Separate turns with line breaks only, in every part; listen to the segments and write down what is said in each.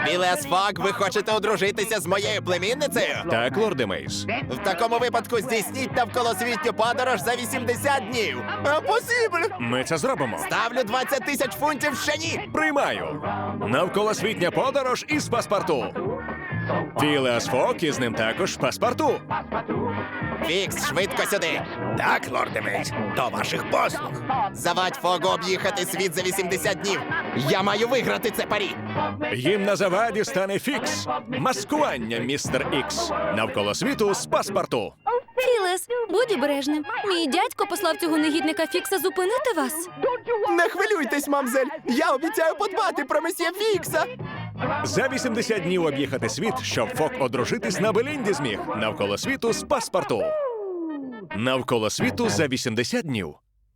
Філеас Фок, ви хочете одружитися з моєю племінницею?
Так, лорде Мейс.
В такому випадку здійсніть навколосвітню подорож за 80 днів. Impossible!
Ми це зробимо.
Ставлю 20 тисяч фунтів ще ні!
Приймаю. Навколосвітня подорож із паспорту. Філеас Фок і з ним також паспорту.
Фікс, швидко сюди!
Так, лорде Мейс, до ваших послуг.
Завадь Фогу об'їхати світ за 80 днів! Я маю виграти це парі!
Їм на заваді стане Фікс. Маскування, містер Ікс. Навколо світу з паспорту.
Філес, будь обережним. Мій дядько послав цього негідника Фікса зупинити вас.
Не хвилюйтесь, мамзель! Я обіцяю подбати про месьє Фікса!
За 80 днів об'їхати світ, щоб Фок одружитись на Белінді зміг. Навколо світу з паспорту. Навколо світу за 80 днів.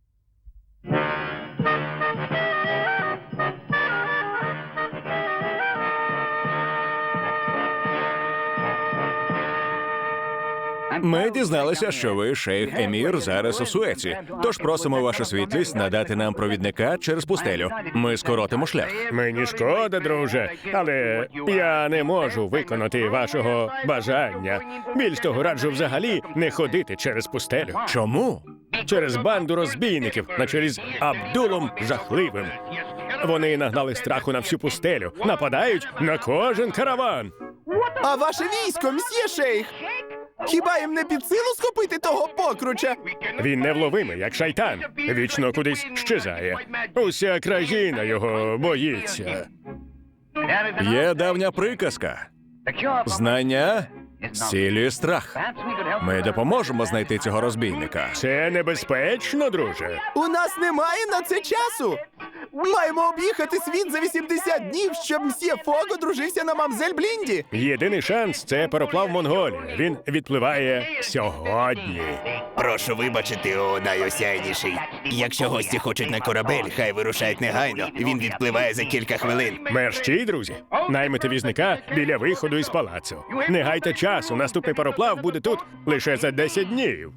Ми дізналися, що ви, шейх Емір, зараз у Суеці. Тож просимо вашу світлість надати нам провідника через пустелю. Ми скоротимо шлях.
Мені шкода, друже, але я не можу виконати вашого бажання. Більш того, раджу взагалі не ходити через пустелю.
Чому?
Через банду розбійників на чолі з Абдулом Жахливим. Вони нагнали страху на всю пустелю, нападають на кожен караван.
А ваше військо, мсьє шейх! Хіба їм не під силу схопити того покруча?
Він невловимий, як шайтан. Вічно кудись щезає. Уся країна його боїться.
Є давня приказка. Знання зцілює страх. Ми допоможемо знайти цього розбійника.
Це небезпечно, друже.
У нас немає на це часу! Маємо об'їхати світ за 80 днів, щоб мсьє Фог одружився на мамзель Блінді!
Єдиний шанс – це пароплав Монголії. Він відпливає сьогодні.
Прошу вибачити, о найосяйніший. Якщо гості хочуть на корабель, хай вирушають негайно. Він відпливає за кілька хвилин.
Мерщій, друзі, наймете візника біля виходу із палацу. Не гайте часу, наступний пароплав буде тут лише за 10 днів.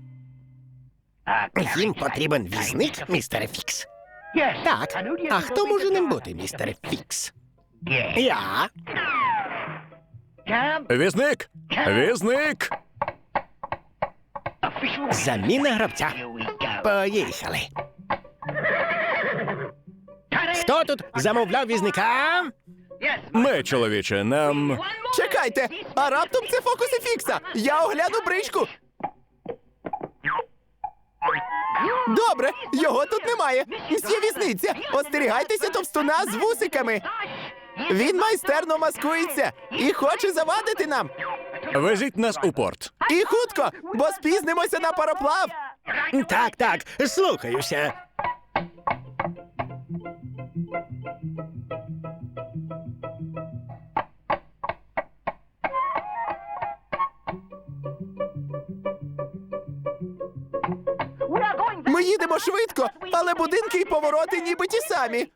Їм потрібен візник, містере Фікс. Так, а хто може ним бути, містере Фікс? Я.
Візник! Візник!
Заміна гравця. Поїхали. Хто тут замовляв візника?
Ми, чоловіче, нам...
Чекайте! А раптом це фокуси Фікса! Я огляну бричку! Добре, його тут немає. Мсьє візниця, остерігайтеся товстуна з вусиками. Він майстерно маскується і хоче завадити нам.
Везіть нас у порт.
І хутко, бо спізнимося на пароплав.
Так, слухаюся.
Ми їдемо швидко, але будинки і повороти ніби ті самі.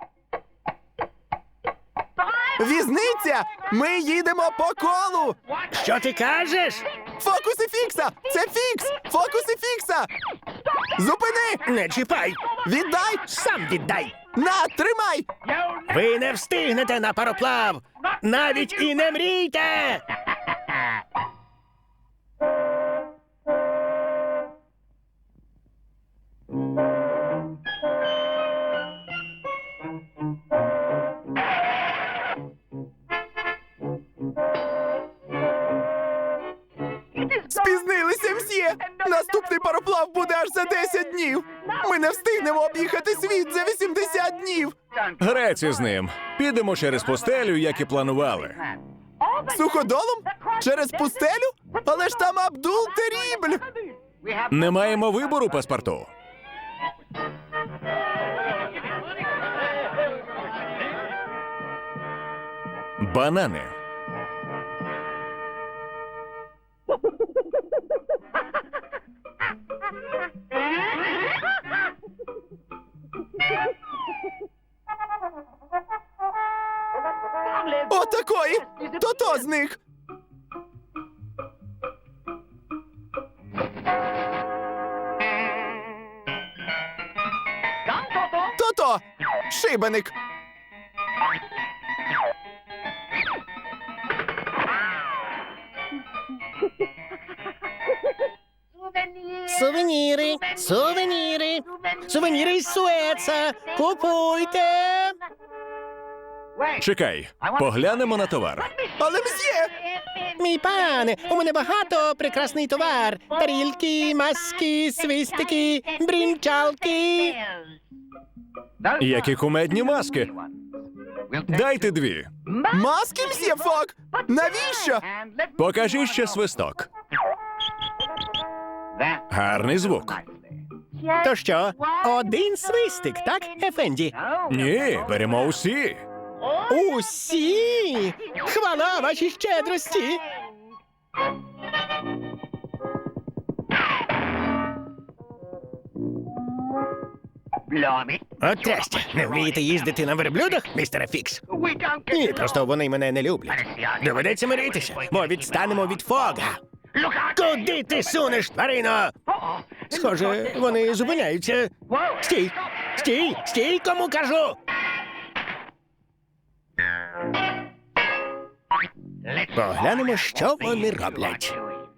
Візниця! Ми їдемо по колу!
Що ти кажеш?
Фокуси Фікса! Це Фікс! Фокуси Фікса! Зупини!
Не чіпай!
Віддай!
Сам віддай!
На, тримай!
Ви не встигнете на пароплав! Навіть і не мрійте!
Спізнилися, мсьє! Наступний пароплав буде аж за 10 днів! Ми не встигнемо об'їхати світ за 80 днів!
Греці з ним. Підемо через пустелю, як і планували.
Суходолом? Через пустелю? Але ж там Абдул Терібль!
Не маємо вибору, паспорту. Банани.
Отакої! То з них! То-то! Шибеник!
Сувеніри! Сувеніри із Суеца! Купуйте!
Чекай, поглянемо на товар.
Але мсьє!
Мій пане, у мене багато прекрасний товар. Тарілки, маски, свистики, брінчалки.
Які кумедні маски. Дайте 2.
Маски, мсьє Фок! Навіщо?
Покажи ще свисток. Гарний звук.
То що, один свистик, так, Ефенді?
Ні, беремо усі.
Усі! Хвала вашій щедрості! От трястя, не вмієте їздити на верблюдах, містере Фікс? Ні, просто вони мене не люблять. Доведеться миритися, бо відстанемо від Фога. Куди ти сунеш, тварино? Схоже, вони зупиняються. Стій! Стій! Стій, кому кажу! Поглянемо, що вони роблять.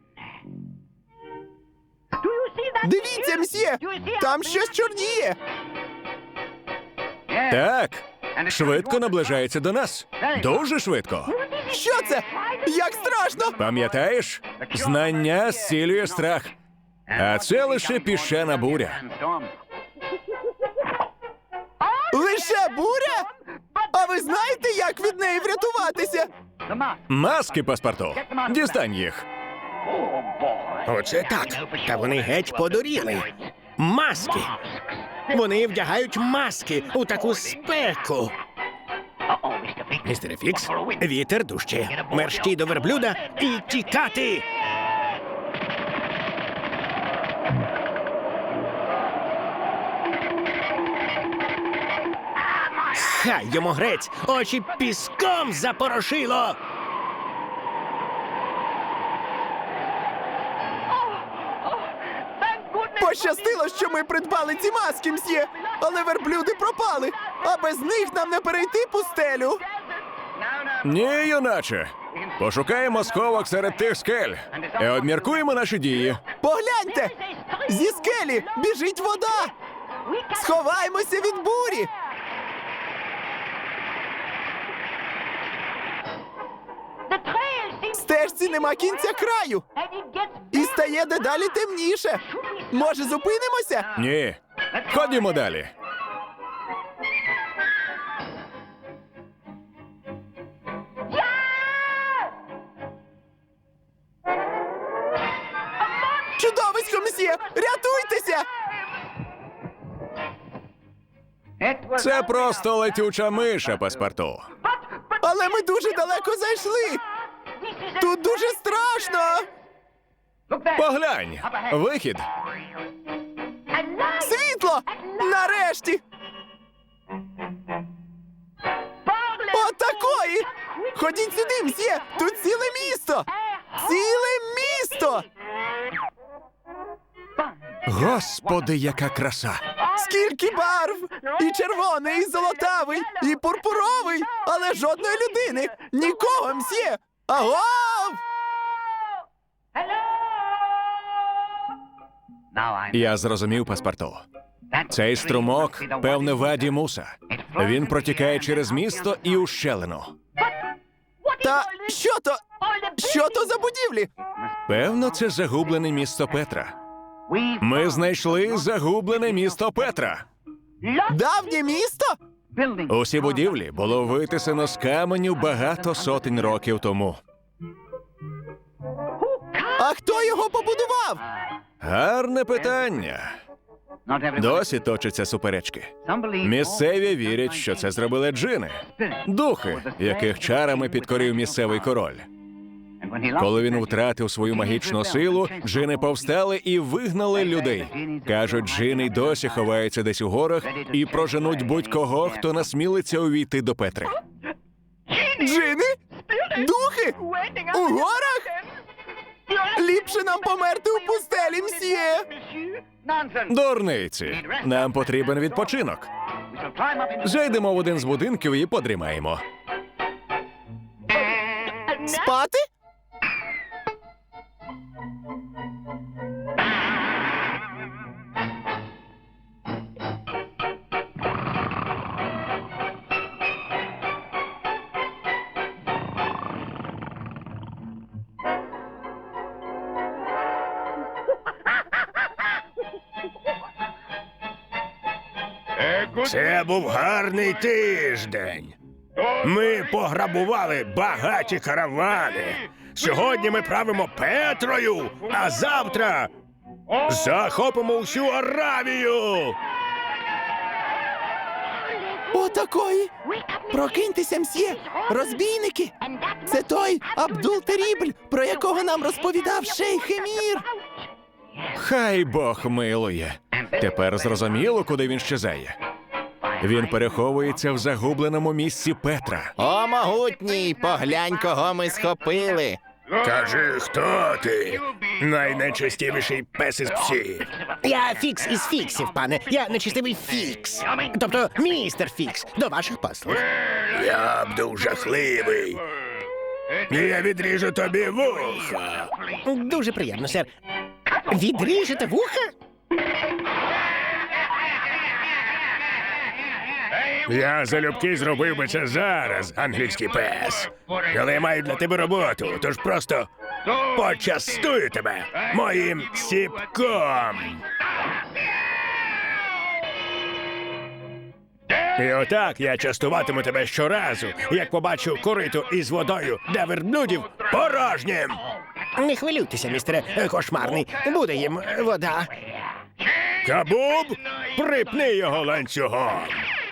Дивіться, мсьє! Там щось чорніє!
Так, швидко наближається до нас. Дуже швидко.
Що це? Як страшно!
Пам'ятаєш? Знання зцілює страх. А це лише піщана буря.
Лише буря? А ви знаєте, як від неї врятуватися?
Маски, паспорту. Дістань їх.
Оце так. Та вони геть подуріли. Маски. Вони вдягають маски у таку спеку. Містере Фікс, вітер дужче. Мерщій до верблюда і тікати. Хай йому грець, очі піском запорошило.
Пощастило, що ми придбали ці маски, мсьє! Але верблюди пропали, а без них нам не перейти пустелю.
Ні, юначе. Пошукаємо сховок серед тих скель. І обміркуємо наші дії.
Погляньте! Зі скелі біжить вода! Сховаймося від бурі! Стежці нема кінця краю! І стає дедалі темніше. Може, зупинимося?
Ні. Ходімо далі.
Чудовисько, мсьє! Рятуйтеся!
Це просто летюча миша, паспорту.
Але ми дуже далеко зайшли! Тут дуже страшно!
Поглянь. Вихід.
Світло! Нарешті! Отакої! Ходіть сюди, мсьє! Тут ціле місто! Ціле місто!
Господи, яка краса.
Скільки барв! І червоний, і золотавий, і пурпуровий, але жодної людини! Нікого, мсьє! Агов!
Я зрозумів, паспорту. Цей струмок, певне, Ваді Муса. Він протікає через місто і ущелину.
Та що то? Що то за будівлі?
Певно, це загублене місто Петра. Ми знайшли загублене місто Петра.
Давнє місто?
Усі будівлі було витисано з каменю багато сотень років тому.
А хто його побудував?
Гарне питання. Досі точаться суперечки. Місцеві вірять, що це зробили джини. Духи, яких чарами підкорив місцевий король. Коли він втратив свою магічну силу, джини повстали і вигнали людей. Кажуть, джини й досі ховаються десь у горах і проженуть будь-кого, хто насмілиться увійти до Петри.
Джини? Духи? У горах? Ліпше нам померти у пустелі, мсьє!
Дурниці, нам потрібен відпочинок. Зайдемо в один з будинків і подрімаємо.
Спати?
Це був гарний тиждень. Ми пограбували багаті каравани. Сьогодні ми правимо Петрою, а завтра захопимо всю Аравію.
Отакої! Прокиньтеся, мсьє! Розбійники! Це той Абдул-Терібль, про якого нам розповідав шейх Емір!
Хай Бог милує. Тепер зрозуміло, куди він щезає. Він переховується в загубленому місці Петра.
О, могутній, поглянь, кого ми схопили!
Кажи, хто ти? Найнечестивіший пес із псів.
Я Фікс із Фіксів, пане. Я нечистивий Фікс. Тобто містер Фікс, до ваших послуг.
Я б жахливий. І я відріжу тобі вуха.
Дуже приємно, сер. Відріжете вуха?
Я залюбки зробив би це зараз, англійський пес. Але я маю для тебе роботу, тож просто почастую тебе моїм ціпком. І отак я частуватиму тебе щоразу, як побачу корито із водою для верблюдів порожнім.
Не хвилюйтеся, містере Кошмарний. Буде їм вода.
Кабуб, припни його ланцюгом.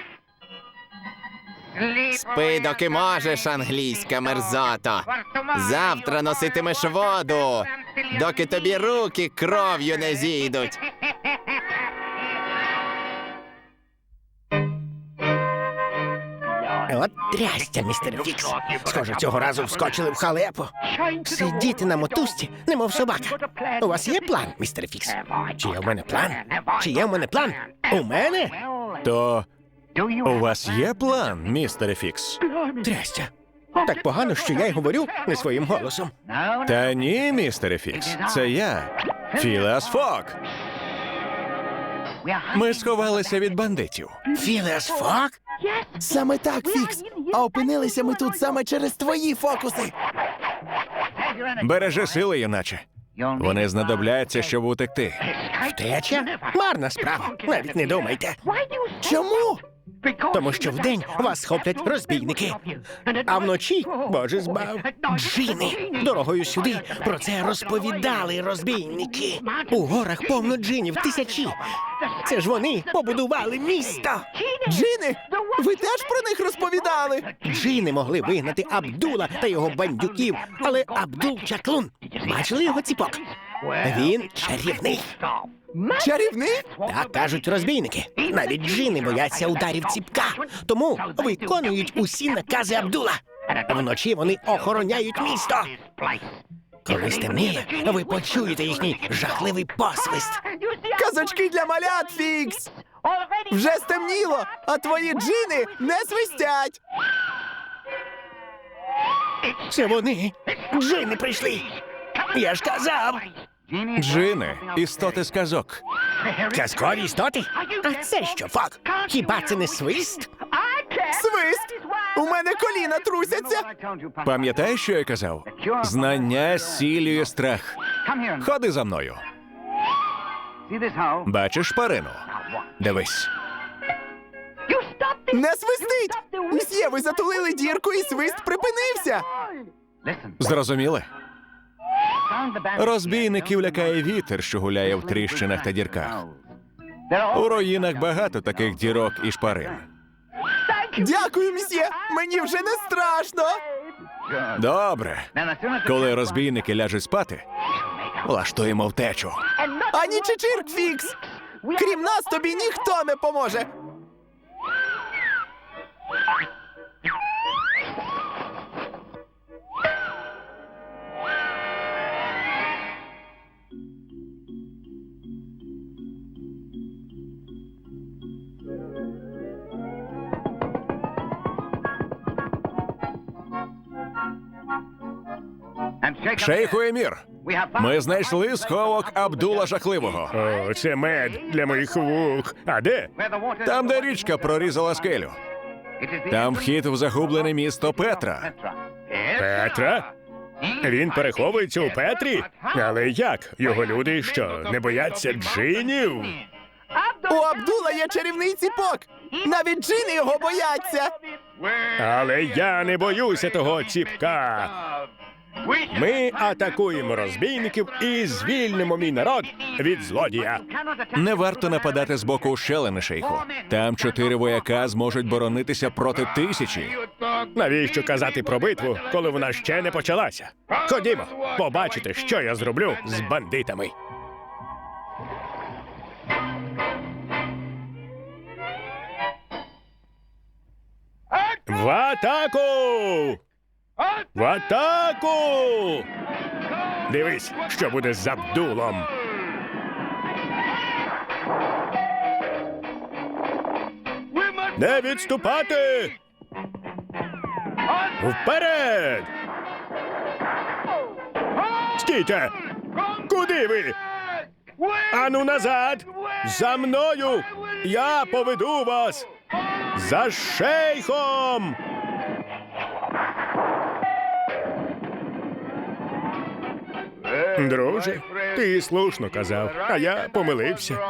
Спи, доки можеш, англійська мерзото! Завтра носитимеш воду, доки тобі руки кров'ю не зійдуть!
От трястя, містер Фікс. Схоже, цього разу вскочили в халепу. Сидіти на мотузці, немов собака. У вас є план, містер Фікс? Чи є в мене план? Чи є в мене план? У мене?
То у вас є план, містере Фікс?
Трястя. Так погано, що я й говорю не своїм голосом.
Та ні, містере Фікс. Це я, Філеас Фок. Ми сховалися від бандитів.
Філеас Фок?
Саме так, Фікс! А опинилися ми тут саме через твої фокуси!
Бережи сили, юначе. Вони знадобляться, щоб утекти.
Втеча? Марна справа. Навіть не думайте.
Чому?
Тому що вдень вас схоплять розбійники. А вночі, боже збав, джини. Дорогою сюди про це розповідали розбійники. У горах повно джинів, тисячі. Це ж вони побудували місто.
Джини, ви теж про них розповідали?
Джини могли вигнати Абдула та його бандюків, але Абдул чаклун. Бачили його ціпок? Він чарівний.
Чарівник?
Так кажуть розбійники. Навіть джини бояться ударів ціпка, тому виконують усі накази Абдула. Вночі вони охороняють місто. Коли стемніє, ви почуєте їхній жахливий посвист.
Казочки для малят, Фікс! Вже стемніло, а твої джини не свистять!
Це вони. Джини прийшли. Я ж казав.
Джини – істоти з казок.
Казкові істоти? А це що, Фок? Хіба це не свист?
Свист! У мене коліна трусяться!
Пам'ятаєш, що я казав? Знання зцілює страх. Ходи за мною. Бачиш шпарину? Дивись.
Не свистить! Мсьє, ви затулили дірку і свист припинився!
Зрозуміли? Розбійників лякає вітер, що гуляє в тріщинах та дірках. У руїнах багато таких дірок і шпарин.
Дякую, мсьє! Мені вже не страшно!
Добре. Коли розбійники ляжуть спати, влаштуємо втечу.
Ані чичирк, Фікс! Крім нас тобі ніхто не поможе!
Шейху Емір, ми знайшли сховок Абдула Жахливого.
О, це мед для моїх вух. А де?
Там, де річка прорізала скелю. Там вхід в загублене місто Петра.
Петра? Він переховується у Петрі? Але як? Його люди що, не бояться джинів?
У Абдула є чарівний ціпок! Навіть джини його бояться.
Але я не боюся того ціпка. Ми атакуємо розбійників і звільнимо мій народ від злодія.
Не варто нападати з боку ущелини, шейху. Там 4 вояка зможуть боронитися проти 1000.
Навіщо казати про битву, коли вона ще не почалася? Ходімо, побачите, що я зроблю з бандитами. В атаку! В атаку! Дивись, що буде з Абдулом. Не відступати! Вперед! Стійте! Куди ви? Ану назад! За мною! Я поведу вас! За шейхом! Друже, ти слушно казав, а я помилився.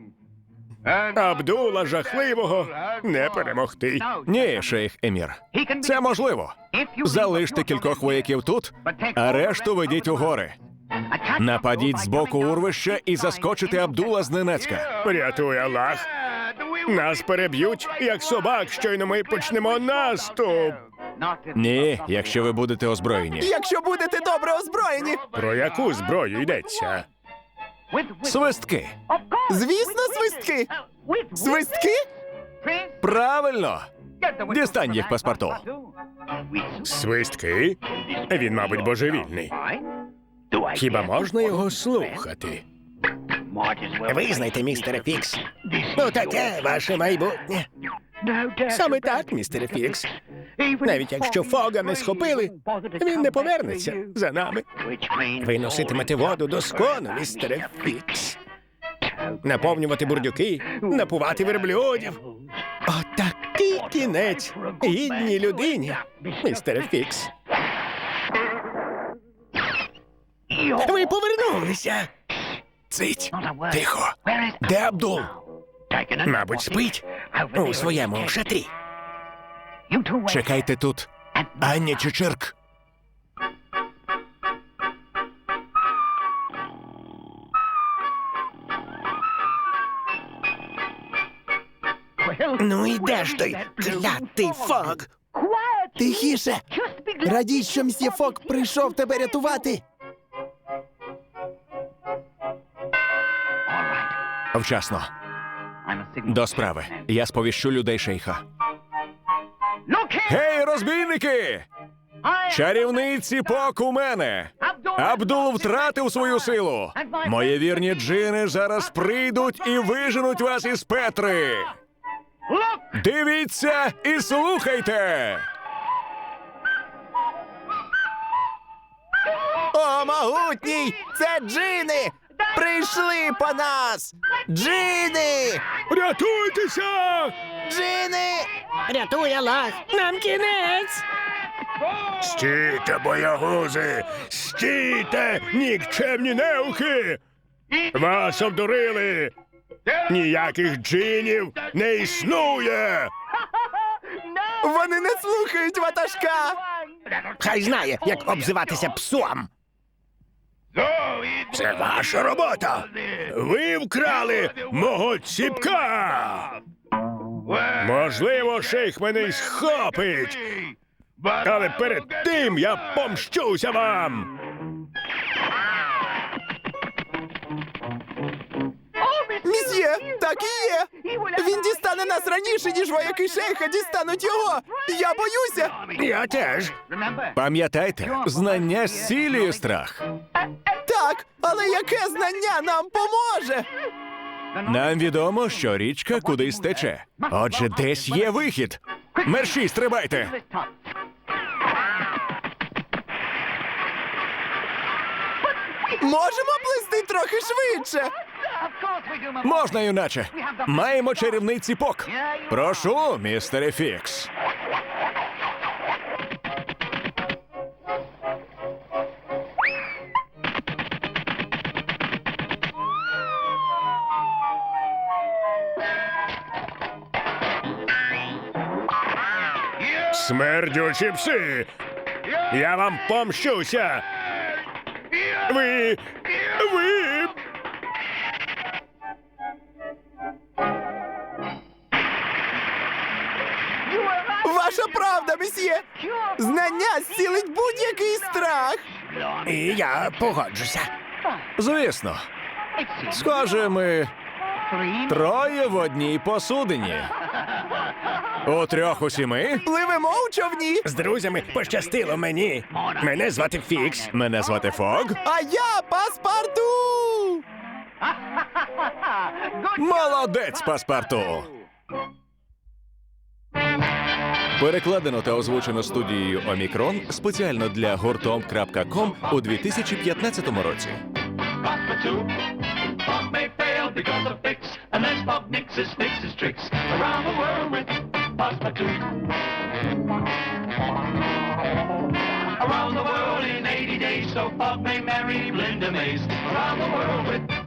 Абдула жахливого не перемогти.
Ні, шейх Емір. Це можливо. Залиште кількох вояків тут, а решту ведіть у гори. Нападіть з боку урвища і заскочите Абдула зненацька.
Рятуй Аллах. Нас переб'ють, як собак, щойно ми почнемо наступ.
Ні, якщо ви будете озброєні.
Якщо будете добре озброєні.
Про яку зброю йдеться?
Свистки.
Звісно, свистки. Свистки?
Правильно. Дістань їх паспорту.
Свистки? Він, мабуть, божевільний. Хіба можна його слухати?
Визнайте, містере Фікс. Ну таке ваше майбутнє. Саме так, містере Фікс. Навіть якщо Фога не схопили, він не повернеться за нами. Ви носитимете воду до скону, містере Фікс. Наповнювати бурдюки, напувати верблюдів. Отакий кінець гідній людині, містере Фікс. Ви повернулися.
Цить. Тихо. Де Абдул?
Мабуть, спить.
У своєму шатрі.
Чекайте тут. Ані Чичирк.
Ну і де ж той клятий Фог?
Тихіше. Радій, що мсьє Фок прийшов тебе рятувати.
Вчасно. До справи. Я сповіщу людей шейха. Гей, розбійники! Чарівний ціпок у мене! Абдул втратив свою силу! Мої вірні джини зараз прийдуть і виженуть вас із Петри! Дивіться і слухайте!
О, могутній! Це джини! Прийшли по нас! Джини!
Рятуйтеся!
Джини!
Рятуй Аллах! Нам кінець!
Стійте, боягузи! Стійте, нікчемні неухи! Вас обдурили! Ніяких джинів не існує!
Вони не слухають ватажка!
Хай знає, як обзиватися псом!
Це ваша робота! Ви вкрали мого ціпка! Можливо, шейх мене й схопить! Але перед тим я помщуся вам!
Місьє, так і є! Він дістане нас раніше, ніж вояки шейха дістануть його! Я боюся!
Я теж!
Пам'ятайте, знання зцілює страх.
Так, але яке знання нам поможе?
Нам відомо, що річка кудись тече. Отже, десь є вихід. Мерші, стрибайте!
Можемо плисти трохи швидше!
Можна, юначе. Маємо чарівний ціпок. Прошу, містере Фікс.
Смердючі пси! Я вам помщуся! Ви...
Ваша правда, месьє! Знання зцілить будь-який страх!
І я погоджуся.
Звісно. Схоже, ми троє в одній посудині. У трьох у сіми.
Пливемо у човні!
З друзями пощастило мені. Мене звати Фікс.
Мене звати Фог.
А я паспорту!
Молодець, паспорту! Перекладено та озвучено студією Омікрон спеціально для гуртом.ком у 2015 році.
Bob may fail because of Fix, unless Bob nixes his tricks around the world with Passepartout. Around the world in 80 days, so Bob may marry Linda Mays. Around the world with